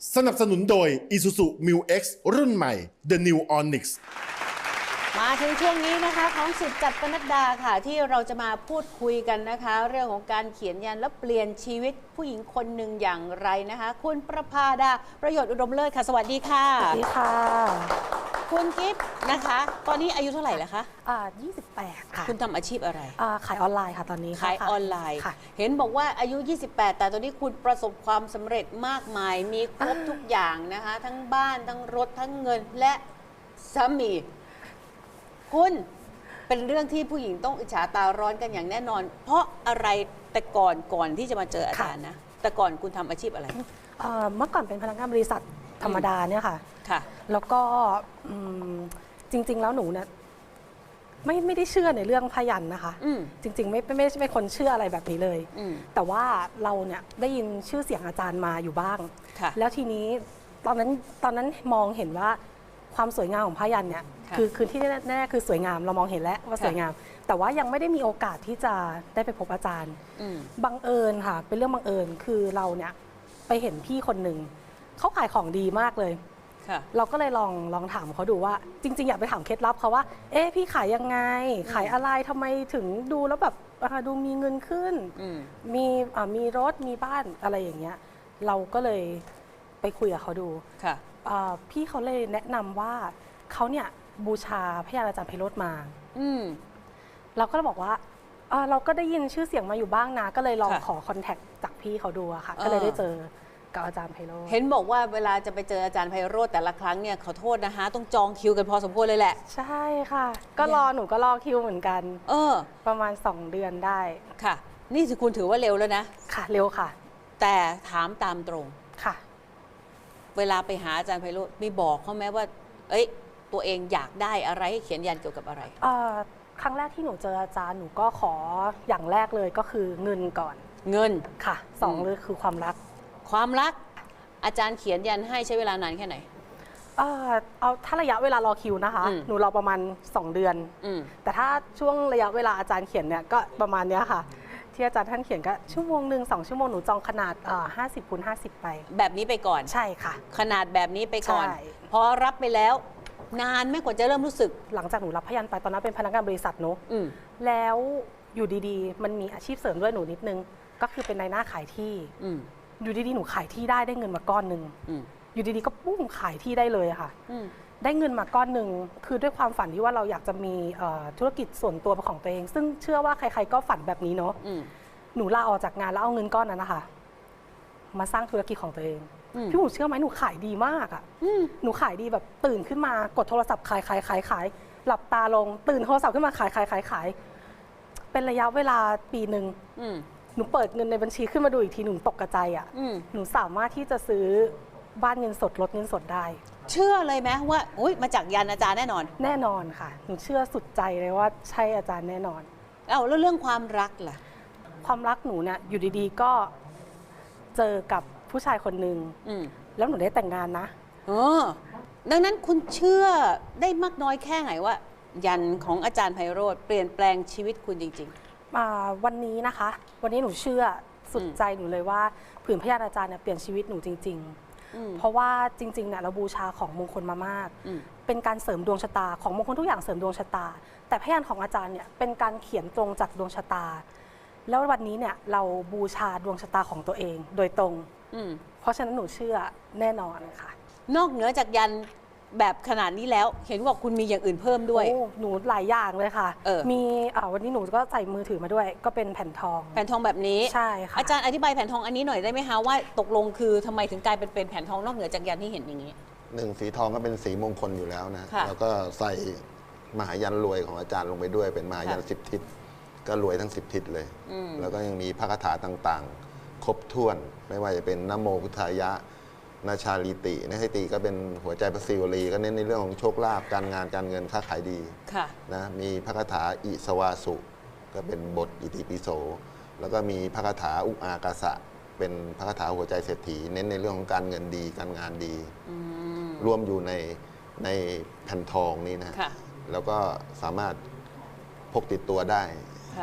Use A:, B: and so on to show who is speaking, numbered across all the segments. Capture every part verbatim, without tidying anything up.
A: สนับสนุนโดย Isuzu มิว เอ็กซ์ รุ่นใหม่ The New Onyx
B: มาถึงช่วงนี้นะคะของสิทธิ์จัดปนัดดาค่ะที่เราจะมาพูดคุยกันนะคะ เรื่องของการเขียนยันและเปลี่ยนชีวิตผู้หญิงคนหนึ่งอย่างไรนะคะ คุณประภาดาประโยชน์อุดมเลิศค่ะสวัสดีค่ะ
C: สวัสดีค่ะ
B: คุณกิฟต์นะคะ ตอนนี้อายุเท่าไหร่แล้วคะ
C: อ่ายี่สิบแปดค่ะ
B: คุณทำอาชีพอะไร
C: อ่าขายออนไลน์ค่ะตอนนี้
B: ขายออนไลน์
C: ค่ะ
B: เห็นบอกว่าอายุยี่สิบแปดแต่ตอนนี้คุณประสบความสำเร็จมากมายมีครบทุกอย่างนะคะทั้งบ้านทั้งรถทั้งเงินและสามีคุณเป็นเรื่องที่ผู้หญิงต้องอิจฉาตาร้อนกันอย่างแน่นอนเพราะอะไรแต่ก่อนก่อนที่จะมาเจออาจารย์นะแต่ก่อนคุณทำอาชีพอะไร
C: เมื่อก่อนเป็นพนักงานบริษัทธรรมดาเนี่ยค่ะ
B: ค่ะ
C: แล้วก็จริงๆแล้วหนูเนี่ยไม่ไม่ได้เชื่อในเรื่องพยัญชนะนะคะจริงๆไม่ไม่ใช่เป็นคนเชื่ออะไรแบบนี้เลยแต่ว่าเราเนี่ยได้ยินชื่อเสียงอาจารย์มาอยู่บ้างแล้วทีนี้ตอนนั้นตอนนั้นมองเห็นว่าความสวยงามของพยัญชนะเนี่ยคือคือที่แน่ๆคือสวยงามเรามองเห็นแล้วว่าสวยงามแต่ว่ายังไม่ได้มีโอกาสที่จะได้ไปพบอาจารย์บังเอิญค่ะเป็นเรื่องบังเอิญคือเราเนี่ยไปเห็นพี่คนหนึ่งเขาขายของดีมากเลยเราก็เลยลองลองถามเขาดูว่าจริงๆอยากไปถามเคล็ดลับเขาว่าเอ๊ะพี่ขายยังไงขายอะไรทำไมถึงดูแล้วแบบดูมีเงินขึ้นมีมีรถมีบ้านอะไรอย่างเงี้ยเราก็เลยไปคุยกับเขาดูพี่เขาเลยแนะนำว่าเขาเนี่ยบูชาพระยาอาจารย์ไพโรจน์มาเราก็เลยบอกว่าเราก็ได้ยินชื่อเสียงมาอยู่บ้างนะก็เลยลองขอคอนแทคจากพี่เขาดูค่ะก็เลยได้เจอกับอาจารย์ไพโรจน์
B: เห็นบอกว่าเวลาจะไปเจออาจารย์ไพโรจน์แต่ละครั้งเนี่ยขอโทษนะคะต้องจองคิวกันพอสมควรเลยแหละ
C: ใช่ค่ะก็รอหนูก็รอคิวเหมือนกันเออประมาณสองเดือนได้
B: ค่ะนี่คุณถือว่าเร็วแล้วนะ
C: ค่ะเร็วค่ะ
B: แต่ถามตามตรง
C: ค่ะ
B: เวลาไปหาอาจารย์ไพโรจน์มีบอกเขาไหมว่าเอ้ยตัวเองอยากได้อะไรให้เขียนยันเกี่ยวกับอะไร
C: ครั้งแรกที่หนูเจออาจารย์หนูก็ขออย่างแรกเลยก็คือเงินก่อน
B: เงิน
C: ค่ะสองเลยคือความรัก
B: ความรักอาจารย์เขียนยันให้ใช้เวลานานแค่ไหน
C: เออเอาถ้าระยะเวลารอคิวนะคะหนูรอประมาณสองเดือนแต่ถ้าช่วงระยะเวลาอาจารย์เขียนเนี่ยก็ประมาณนี้ค่ะที่อาจารย์ท่านเขียนก็ชั่วโมงหนึ่งสองชั่วโมงหนูจองขนาดห้าสิบคูณห้าสิบไป
B: แบบนี้ไปก่อน
C: ใช่ค่ะ
B: ขนาดแบบนี้ไปก่อนพอรับไปแล้วนานไม่กว่าจะเริ่มรู้สึก
C: หลังจากหนูรับพยัญชนะไปตอนนั้นเป็นพนักงานบริษัทเนอะแล้วอยู่ดีๆมันมีอาชีพเสริมด้วยหนูนิดนึงก็คือเป็นนายหน้าขายที่อยู่ดีๆหนูขายที่ได้ได้เงินมาก้อนหนึ่งอยู่ดีๆก็ปุ้งขายที่ได้เลยค่ะได้เงินมาก้อนหนึ่งคือด้วยความฝันที่ว่าเราอยากจะมีธุรกิจส่วนตัวเป็นของตัวเองซึ่งเชื่อว่าใครๆก็ฝันแบบนี้เนาะหนูลาออกจากงานแล้วเอาเงินก้อนนั้นนะคะมาสร้างธุรกิจของตัวเองพี่หนูเชื่อไหมหนูขายดีมากอ่ะหนูขายดีแบบตื่นขึ้นมากดโทรศัพท์ขายขายขายขายหลับตาลงตื่นโทรศัพท์ขึ้นมาขายขายขายขายเป็นระยะเวลาปีหนึ่งหนูเปิดเงินในบัญชีขึ้นมาดูอีกทีหนูตกกระจายอ่ะหนูสามารถที่จะซื้อบ้านเงินสดรถเงินสดได้
B: เชื่อเลยไหมว่าอุ้ยมาจากยันอาจารย์แน่นอน
C: แน่นอนค่ะหนูเชื่อสุดใจเลยว่าใช่อาจารย์แน่นอน
B: เอ้าแล้วเรื่องความรักล่ะ
C: ความรักหนูเนี่ยอยู่ดีๆก็เจอกับผู้ชายคนหนึ่งแล้วหนูได้แต่งงานนะ
B: เออดังนั้นคุณเชื่อได้มากน้อยแค่ไหนว่ายันของอาจารย์ไพโรจน์เปลี่ยนแปลงชีวิตคุณจริง
C: ๆวันนี้นะคะวันนี้หนูเชื่อสุดใจหนูเลยว่าผืนพยานอาจารย์เนี่ยเปลี่ยนชีวิตหนูจริงๆเพราะว่าจริงๆเนี่ยเราบูชาของมงคลมามากเป็นการเสริมดวงชะตาของมงคลทุกอย่างเสริมดวงชะตาแต่พยานของอาจารย์เนี่ยเป็นการเขียนตรงจากดวงชะตาแล้ววันนี้เนี่ยเราบูชาดวงชะตาของตัวเองโดยตรงเพราะฉะนั้นหนูเชื่อแน่นอนค่ะ
B: นอกเหนือจากยันแบบขนาดนี้แล้วเห็นว่าคุณมีอย่างอื่นเพิ่มด้วย
C: โอ้หนูหลายอย่างเลยค่ะมีวันนี้หนูก็ใส่มือถือมาด้วยก็เป็นแผ่นทอง
B: แผ่นทองแบบนี้
C: ใช่ค่ะ
B: อาจารย์อธิบายแผ่นทองอันนี้หน่อยได้ไหมคะว่าตกลงคือทำไมถึงกลายเป็นเป็นแผ่นทองนอกเหนือจากยันที่เห็นอย่างนี้
D: หนึ่งสีทองก็เป็นสีมงคลอยู่แล้วนะแล้วก็ใส่มหายันรวยของอาจารย์ลงไปด้วยเป็นมหายันสิบทิศก็รวยทั้งสิบทิศเลยแล้วก็ยังมีพระคาถาต่างๆครบถ้วนไม่ว่าจะเป็นนะโมพุทธายะนาชาลิตินะให้ตีก็เป็นหัวใจพระศิวลีก็เน้นในเรื่องของโชคลาภการงานการเงินค้าขายดีนะมีพระคาถาอิสวาสุก็เป็นบทอิติปิโสแล้วก็มีพระคาถาอุอากาสะเป็นพระคาถาหัวใจเศรษฐีเน้นในเรื่องของการเงินดีการงานดีรวมอยู่ในในแผ่นทองนี้นะแล้วก็สามารถพกติดตัวได้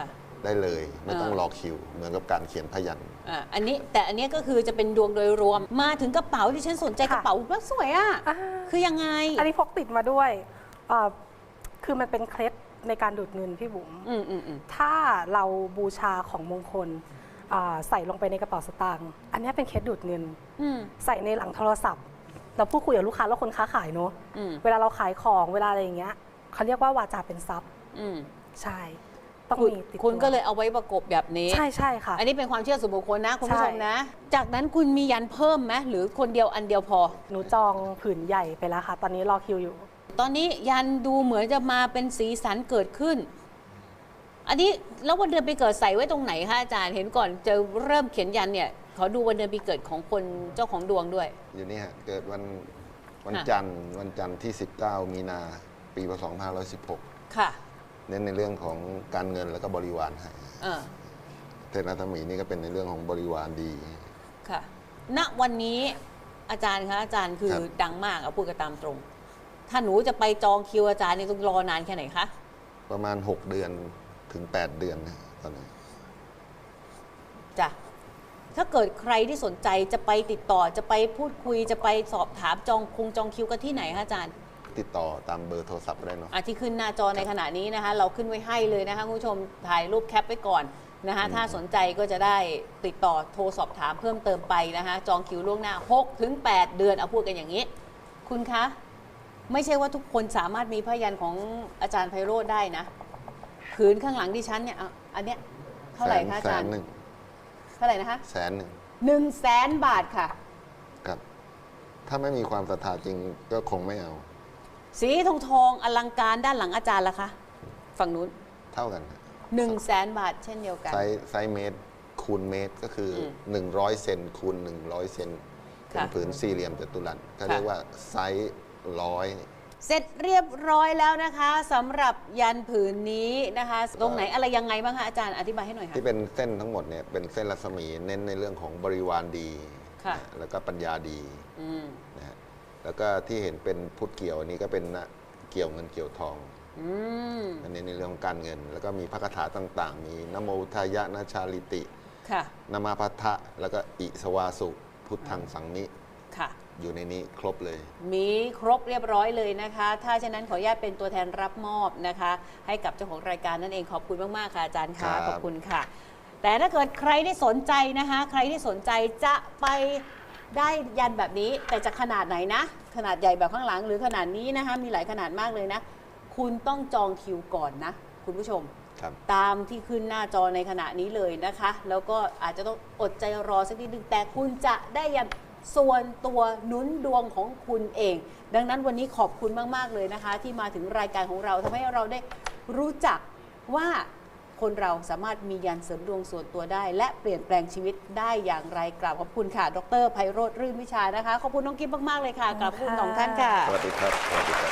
D: ได้เลย ไม่ต้องรอคิว เหมือนกับการเขียนพยัญชนะ
B: อ่ะอันนี้แต่อันนี้ก็คือจะเป็นดวงโดยรวมมาถึงกระเป๋าที่ฉันสนใจ
C: ค่ะ
B: กระเป๋าว่าสวยอ่ะ
C: อ่า
B: คือยังไง
C: อันนี้พกติดมาด้วยเอ่อคือมันเป็นเคล็ดในการดูดเงินพี่บุ๋ม
B: อืมอืมอืม
C: ถ้าเราบูชาของมงคลอ่าใส่ลงไปในกระเป๋าสตางค์อันนี้เป็นเคล็ดดูดเงิน
B: อืม
C: ใส่ในหลังโทรศัพท์ เราพูดคุยกับลูกค้าแล้วคนค้าขายเนอะ
B: อืม
C: เวลาเราขายของเวลาอะไรอย่างเงี้ยเขาเรียกว่าวาจาเป็นทรัพย์
B: อืม
C: ใช่ ต้อง
B: คุณ
C: มีติด
B: คุณ
C: ตัว
B: ก็เลยเอาไว้ประกบแบบนี้
C: ใช่ใช่ค่ะ
B: อันนี้เป็นความเชื่อส่วนบุคคลนะคุณผู้ชม
C: ใช่
B: นะ จากนั้นคุณมียันเพิ่มไหมหรือคนเดียวอันเดียวพอ
C: หนูจองผืนใหญ่ไปแล้วค่ะ ตอนนี้รอคิวอยู่
B: ตอนนี้ยันดูเหมือนจะมาเป็นสีสันเกิดขึ้น อันนี้แล้ววันเดือนปีเกิดใส่ไว้ตรงไหนคะอาจารย์เห็นก่อนจะเริ่มเขียนยันเนี่ยขอดูวันเดือนปีเกิดของคนเจ้าของดวงด้วย
D: อยู่นี่ฮะ เกิดวันวัน
B: ค่ะ
D: จันทร์วันจันทร์ที่ สิบเก้า มีนา ปีพศสองพันห้าร้อยสิบหก
B: ค่ะ
D: เน้นในเรื่องของการเงินแล้วก็บริวารให้
B: เออ
D: เทพรัตมีนี่ก็เป็นในเรื่องของบริวารดี
B: ค่ะ ณ วันนี้อาจารย์คะอาจารย์คือ
D: ครับ
B: ดังมากเอาพูดกันตามตรง ถ้าหนูจะไปจองคิวอาจารย์นี่ต้องรอนานแค่ไหนคะ
D: ประมาณ หก เดือนถึง แปด เดือนนะตอนนี้
B: จ้ะ ถ้าเกิดใครที่สนใจจะไปติดต่อจะไปพูดคุยจะไปสอบถามจองคงจองคิวกันที่ไหนคะอาจารย์
D: ติดต่อตามเบอร์โทรศัพท์ได้เนาะ
B: อ่ะที่ขึ้นหน้าจอในขณะนี้นะคะ เราขึ้นไว้ให้เลยนะคะคุณผู้ชมถ่ายรูปแคปไว้ก่อนนะคะถ้าสนใจก็จะได้ติดต่อโทรสอบถามเพิ่มเติมไปนะคะจองคิวล่วงหน้าหกถึงแปดเดือนเอาพูดกันอย่างนี้ คุณคะ ไม่ใช่ว่าทุกคนสามารถมีพยัญชนะของอาจารย์ไพโรจน์ได้นะผืนข้างหลังดิฉันเนี่ยอ่ะอันเนี้ยเท่าไหร่คะอา
D: แส
B: จาร
D: น
B: ย์
D: หนึ่ง
B: เท่าไหร่นะคะ
D: แสนหนึ่ง
B: หนึ่งแสนบาทค่ะ
D: ครับ ถ้าไม่มีความศรัทธาจริงก็คงไม่เอา
B: สีทองทองอลังการด้านหลังอาจารย์ล่ะคะฝั่งนู้น
D: เท่ากันฮะ
B: หนึ่งแสนบาทเช่นเดียวกัน
D: ไซส์ไซส์เมตรคูณเมตรก็คืออ
B: ม
D: หนึ่งร้อยเซนคูณหนึ่งร้อยเซนเป็น
B: ค่ะ
D: ผืนสี่เหลี่ยมจัตุรัสเขา
B: ค่ะ
D: เรียกว่าไซส์ร้อย
B: เสร็จเรียบร้อยแล้วนะคะสำหรับยันผืนนี้นะคะ ตรงไหนอะไรยังไงบ้างคะอาจารย์อธิบายให้หน่อยค่ะ
D: ที่เป็นเส้นทั้งหมดเนี่ยเป็นเส้นรัศมีเน้นในเรื่องของบริวารดี
B: ค่ะ
D: นะแล้วก็ปัญญาดี
B: อืม
D: นะฮะแล้วก็ที่เห็นเป็นพุทธเกี่ยวอันนี้ก็เป็นนะเกี่ยวเงินเกี่ยวทอง
B: อืม
D: อันนี้ในเรื่องของการเงิน แล้วก็มีพระคาถาต่างๆ มีนะโมทายะนะชาลิติ
B: ค่ะ
D: นามาพัทธะแล้วก็อิสวาสุพุทธังสังนิ
B: ค่ะ
D: อยู่ในนี้ครบเลย
B: มีครบเรียบร้อยเลยนะคะ ถ้าฉะนั้นขออนุญาตเป็นตัวแทนรับมอบนะคะ ให้กับเจ้าของรายการนั่นเองขอบคุณมาก ๆ ค่ะอาจารย์
D: ครั
B: ค่ะ
D: บ
B: ขอบคุณค่ะ แต่ถ้าเกิดใครที่สนใจนะคะ ใครที่สนใจจะไปได้ยันแบบนี้ แต่จะขนาดไหนนะ ขนาดใหญ่แบบข้างหลังหรือขนาดนี้นะคะ มีหลายขนาดมากเลยนะ คุณต้องจองคิวก่อนนะ คุณผู้ชม
D: ครับ
B: ตามที่ขึ้นหน้าจอในขณะนี้เลยนะคะ แล้วก็อาจจะต้องอดใจรอสักนิดนึงแต่คุณจะได้ยันส่วนตัวหนุนดวงของคุณเอง ดังนั้นวันนี้ขอบคุณมากๆเลยนะคะ ที่มาถึงรายการของเราทำให้เราได้รู้จักว่าคนเราสามารถมียันเสริมดวงส่วนตัวได้ และเปลี่ยนแปลงชีวิตได้อย่างไรกราบขอบคุณค่ะดรไพโรจน์รื่นวิชานะคะขอบคุณน้องกิ๊บมากๆเลยค่ะกราบขอบคุณสองท่านค่ะ
D: สวัสดีครับสวัสดีครับ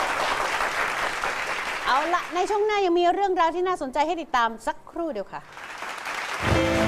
B: เอาละในช่วงหน้ายังมีเรื่องราวที่น่าสนใจให้ติดตามสักครู่เดียวค่ะ